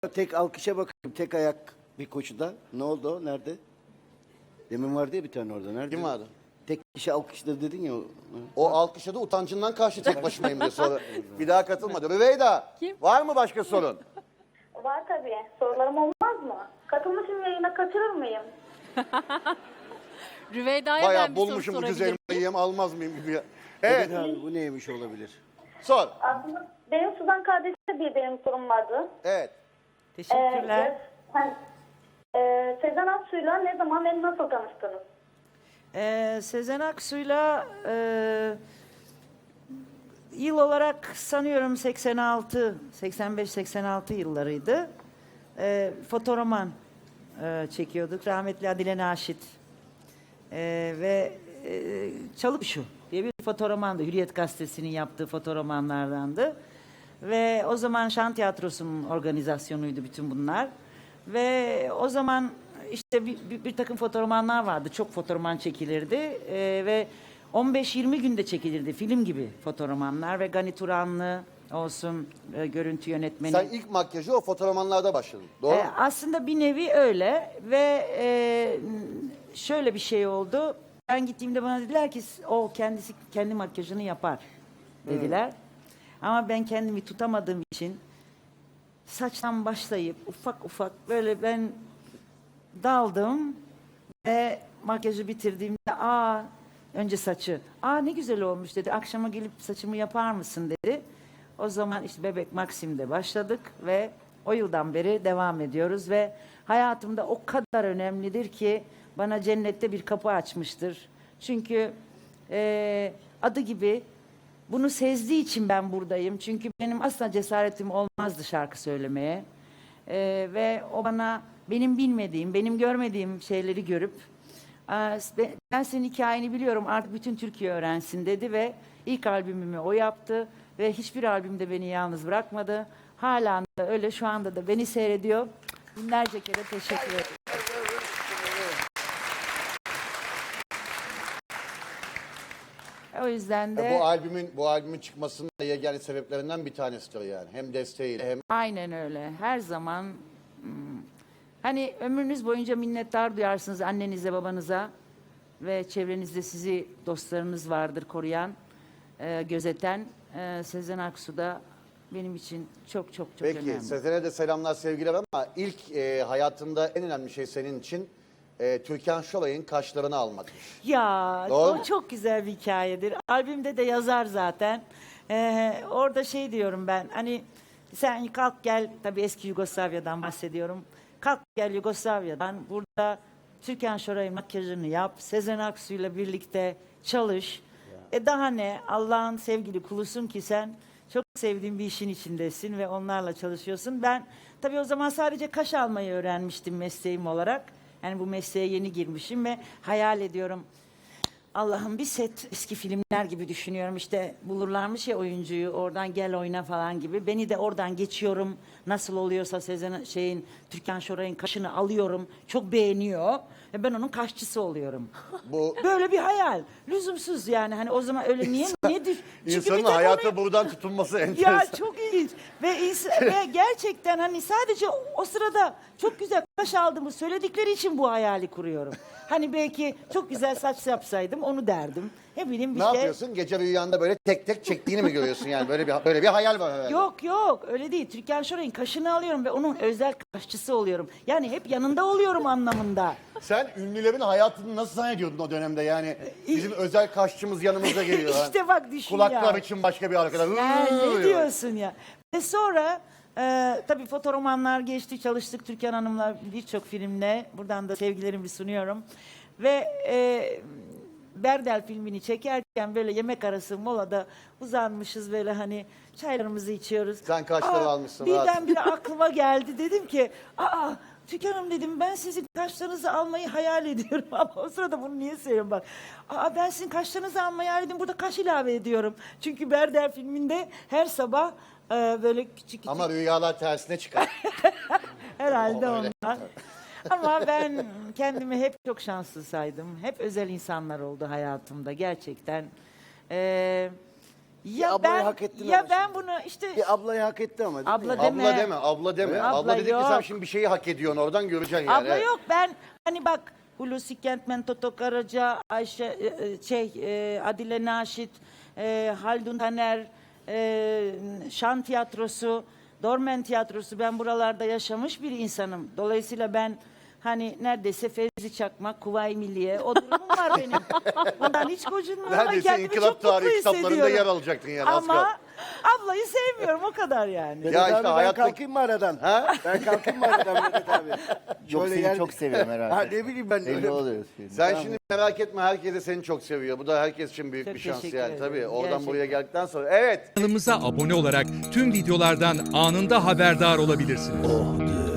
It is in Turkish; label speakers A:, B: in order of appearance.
A: Tek alkışa bakıyorum. Tek ayak bir koşuda. Ne oldu o? Nerede? Demin vardı ya bir tane orada. Nerede?
B: Kim vardı?
A: Tek kişi alkışladı dedin ya.
B: O alkışladı utancından karşı tek başımayım diye sonra bir daha katılmadı. Rüveyda var mı başka sorun?
C: Var tabii. Sorularım olmaz mı? Katılmışım yayına, kaçırır mıyım?
D: Rüveyda'ya ben
B: Bayağı
D: bir soru
B: bulmuşum ucuz
D: sorabilirim.
B: elmayı yiyeyim almaz mıyım gibi.
A: Evet.
B: Evet
A: Abi, bu neymiş olabilir?
B: sor.
C: Aslında benim Suzan kardeşimle bir benim sorum vardı.
B: Evet.
E: Teşekkürler.
C: Sezen Aksu'yla ne zaman ve nasıl tanıştınız?
E: Sezen Aksu'yla yıl olarak sanıyorum 86, 85-86 yıllarıydı. Fotoroman çekiyorduk. Rahmetli Adile Naşit. Ve Çalıp Şu diye bir fotoromandı. Hürriyet Gazetesi'nin yaptığı fotoromanlardandı. Ve o zaman Şan Tiyatrosu'nun organizasyonuydu bütün bunlar. Ve o zaman işte bir takım fotoromanlar vardı. Çok fotoroman çekilirdi. Ve 15-20 günde çekilirdi. Film gibi fotoromanlar ve Gani Turanlı olsun görüntü yönetmeni.
B: Sen ilk makyajı o fotoğrafmanlarda başladın. Doğru mu?
E: Aslında bir nevi öyle ve şöyle bir şey oldu. Ben gittiğimde bana dediler ki o kendisi kendi makyajını yapar dediler. Ama ben kendimi tutamadığım için saçtan başlayıp ufak ufak böyle ben daldım ve makyajı bitirdiğimde önce saçı ne güzel olmuş dedi. Akşama gelip saçımı yapar mısın dedi. O zaman işte Bebek Maksim'de başladık ve o yıldan beri devam ediyoruz ve hayatımda o kadar önemlidir ki bana cennette bir kapı açmıştır. Çünkü adı gibi bunu sezdiği için ben buradayım. Çünkü benim asla cesaretim olmazdı şarkı söylemeye. Ve o bana benim bilmediğim, benim görmediğim şeyleri görüp ben senin hikayeni biliyorum artık bütün Türkiye öğrensin dedi ve ilk albümümü o yaptı ve hiçbir albümde beni yalnız bırakmadı. Hala da öyle, şu anda da beni seyrediyor. Binlerce kere teşekkür ederim. O yüzden de
B: Bu albümün çıkmasının da yegane sebeplerinden bir tanesidir yani. Hem desteğiyle hem
E: aynen öyle. Her zaman hani ömrünüz boyunca minnettar duyarsınız annenize, babanıza ve çevrenizde sizi dostlarınız vardır koruyan, gözeten. Sezen Aksu da benim için çok çok çok
B: Peki
E: önemli.
B: Sezen'e de selamlar sevgiler ama ilk hayatında en önemli şey senin için Türkan Şoray'ın kaşlarını almakmış.
E: Ya
B: Doğru
E: o
B: mu?
E: çok güzel bir hikayedir. Albümde de yazar zaten. Orada şey diyorum ben, hani sen kalk gel, tabii eski Yugoslavya'dan bahsediyorum. Kalk gel Yugoslavya'dan, burada Türkan Şoray'ın makyajını yap, Sezen Aksu'yla birlikte çalış. Daha ne, Allah'ın sevgili kulusun ki sen çok sevdiğin bir işin içindesin ve onlarla çalışıyorsun. Ben tabii o zaman sadece kaş almayı öğrenmiştim mesleğim olarak. Yani bu mesleğe yeni girmişim ve hayal ediyorum. Allah'ım bir set eski filmler gibi düşünüyorum. İşte bulurlarmış ya oyuncuyu, oradan gel oyna falan gibi. Beni de oradan geçiyorum. Nasıl oluyorsa Türkan Şoray'ın kaşını alıyorum. Çok beğeniyor. Ve ben onun kaşçısı oluyorum.
B: Bu
E: Böyle bir hayal. Lüzumsuz yani. Hani o zaman öyle niye düş? Çünkü
B: insanın
E: bir tek
B: hayata buradan tutunması enteresan.
E: ya çok ilginç ve gerçekten hani sadece o sırada çok güzel kaş aldığımı söyledikleri için bu hayali kuruyorum. Hani belki çok güzel saç yapsaydım onu derdim. Ne bileyim bir
B: Ne
E: şey.
B: yapıyorsun? Gece rüyanda böyle tek tek çektiğini mi görüyorsun yani? Böyle bir hayal var herhalde.
E: Yok öyle değil. Türkan Şoray'ın kaşını alıyorum ve onun özel kaşçısı oluyorum. Yani hep yanında oluyorum anlamında.
B: Sen ünlülerin hayatını nasıl zannediyordun o dönemde yani? Bizim özel kaşçımız yanımıza geliyor.
E: İşte bak düşün
B: Kulaklar
E: ya.
B: için başka bir arkadaş.
E: Ne diyorsun ya? Ve sonra tabii fotoromanlar geçti, çalıştık Türkan Hanım'la birçok filmle. Buradan da sevgilerimi sunuyorum. Ve Berdel filmini çekerken böyle yemek arası molada uzanmışız böyle hani çaylarımızı içiyoruz.
B: Sen kaşları almışsın,
E: Birdenbire aklıma geldi, dedim ki Türkan Hanım dedim, ben sizin kaşlarınızı almayı hayal ediyorum ama o sırada bunu niye söylüyorum bak. Ben sizin kaşlarınızı almayı hayal ediyorum, burada kaş ilave ediyorum. Çünkü Berdel filminde her sabah böyle küçük
B: Ama rüyalar tersine çıkar.
E: herhalde
B: O öyle.
E: ondan. Ama ben kendimi hep çok şanslı saydım. Hep özel insanlar oldu hayatımda gerçekten. Ya
A: ablayı
E: ben
A: hak ettin
E: ya
A: ama
E: ben
A: şimdi.
E: bunu işte
A: Bir ablayı hak etti ama. değil mi
E: Abla
A: yani?
E: deme.
B: Abla deme, abla deme.
E: Abla
B: Abla dedik ki sen
E: yok.
B: şimdi bir şeyi hak ediyorsun oradan göreceksin yani.
E: abla yok, ben hani bak Hulusi Kentmen, Toto Karaca, Ayşe Adile Naşit, Haldun Taner, Şan Tiyatrosu, Dormen Tiyatrosu, ben buralarda yaşamış bir insanım. Dolayısıyla ben hani neredeyse Fevzi Çakmak, Kuvayi Milliye o durumum var benim. Bundan hiç gocunmuyorum ama
B: Neredeyse
E: kendimi
B: İnkılap
E: çok mutlu
B: tarihi kitaplarında
E: hissediyorum.
B: yer alacaktın yani. az
E: Ama
B: kaldı.
E: ablayı sevmiyorum, o kadar yani.
A: Vedat
B: Ya
A: abi,
B: işte
A: ben
B: hayattaki-
A: kalkayım mı aradan?
B: Ha?
A: Ben kalkayım mı aradan Vedat abi?
D: Yok,
A: Şöyle
D: seni
A: yer-
D: çok seviyorum herhalde.
A: Ha, ne bileyim ben
D: Belli
A: öyle.
D: oluyor. Şimdi.
B: Sen şimdi merak etme, herkes de seni çok seviyor. Bu da herkes için büyük
E: Çok
B: bir şans
E: teşekkür
B: yani
E: ederim.
B: tabii. Oradan
E: Gerçekten.
B: buraya geldikten sonra. Evet.
F: Kanalımıza abone olarak tüm videolardan anında haberdar olabilirsiniz.